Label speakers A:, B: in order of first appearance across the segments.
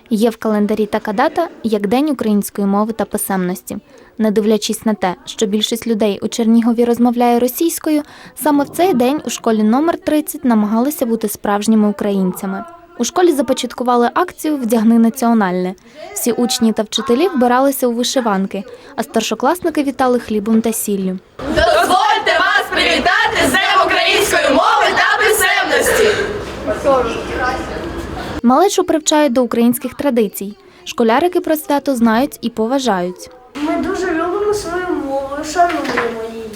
A: Є в календарі така дата, як День української мови та писемності. Не дивлячись на те, що більшість людей у Чернігові розмовляє російською, саме в цей день у школі номер 30 намагалися бути справжніми українцями. У школі започаткували акцію «Вдягни національне». Всі учні та вчителі вбиралися у вишиванки, а старшокласники вітали хлібом та сіллю.
B: Дозвольте вас привітати з Днем української мови та писемності!
A: Малечу привчають до українських традицій. Школярики про свято знають і поважають.
C: Ми дуже любимо свою мову, шануємо її.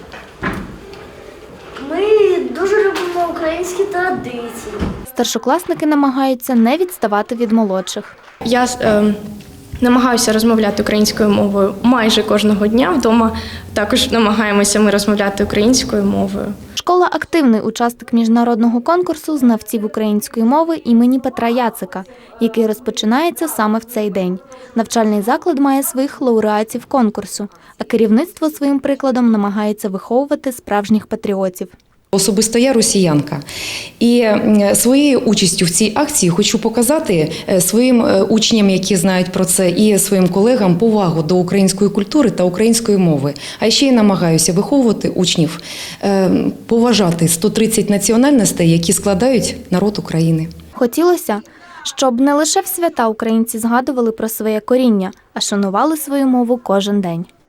C: Ми дуже любимо українські традиції.
A: Старшокласники намагаються не відставати від молодших.
D: Я намагаюся розмовляти українською мовою майже кожного дня. Вдома також намагаємося ми розмовляти українською мовою.
A: Школа – активний учасник міжнародного конкурсу знавців української мови імені Петра Яцика, який розпочинається саме в цей день. Навчальний заклад має своїх лауреатів конкурсу, а керівництво своїм прикладом намагається виховувати справжніх патріотів.
E: Особисто я росіянка. І своєю участю в цій акції хочу показати своїм учням, які знають про це, і своїм колегам повагу до української культури та української мови. А ще й намагаюся виховувати учнів, поважати 130 національностей, які складають народ України.
A: Хотілося, щоб не лише в свята українці згадували про своє коріння, а шанували свою мову кожен день.